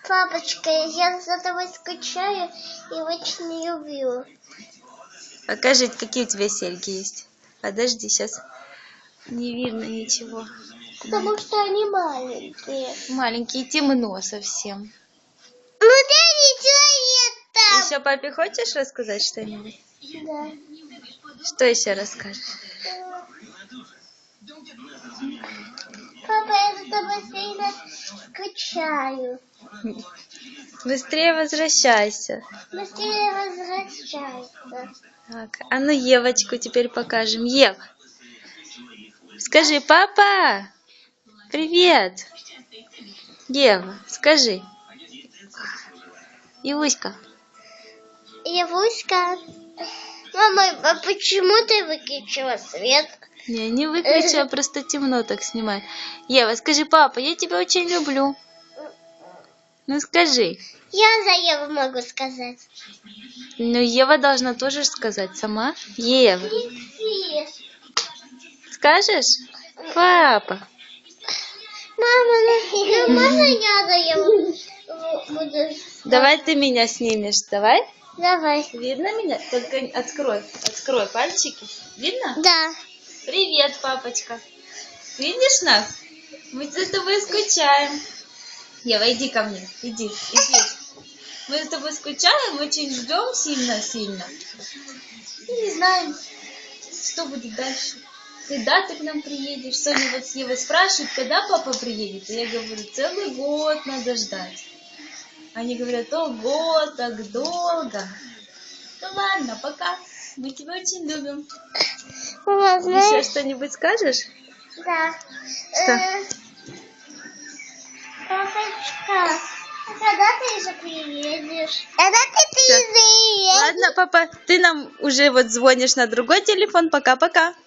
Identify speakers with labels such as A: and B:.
A: Папочка, я за тобой скучаю и очень люблю.
B: Покажи, какие у тебя серьги есть. Подожди, сейчас не видно ничего.
A: Потому что они маленькие.
B: Маленькие, темно совсем.
A: Ну дай человек там.
B: Еще папе хочешь рассказать что-нибудь?
A: Да.
B: Что еще расскажешь?
A: Папа, я за тобой сильно скучаю.
B: Быстрее возвращайся.
A: Быстрее возвращайся.
B: Так, а ну Евочку теперь покажем. Ева, скажи, папа, привет. Ева, скажи. Иуська.
A: Явуська. Мама, а почему ты выключила свет?
B: Я не выключила, просто темно так снимать. Ева, скажи, папа, я тебя очень люблю. Ну скажи.
A: Я за Еву могу сказать.
B: Ну Ева должна тоже сказать сама. Ева, скажешь? Папа.
A: Мама, ну можно я за Еву буду?
B: Давай ты меня снимешь, давай.
A: Давай.
B: Видно меня? Только открой пальчики. Видно?
A: Да.
B: Привет, папочка. Видишь нас? Мы за тобой скучаем. Ева, иди ко мне. Иди. Мы за тобой скучаем, очень ждем сильно-сильно. И не знаем, что будет дальше. Когда ты к нам приедешь? Соня вот с Евой спрашивает, когда папа приедет. И я говорю, целый год надо ждать. Они говорят, ого, так долго. Ну ладно, пока. Мы тебя очень любим.
A: Мама,
B: Еще
A: знаешь?
B: что-нибудь скажешь?
A: Да.
B: Что?
A: Папочка, а когда ты же приедешь? Когда ты приедешь?
B: Ладно, папа, ты нам уже вот звонишь на другой телефон. Пока-пока.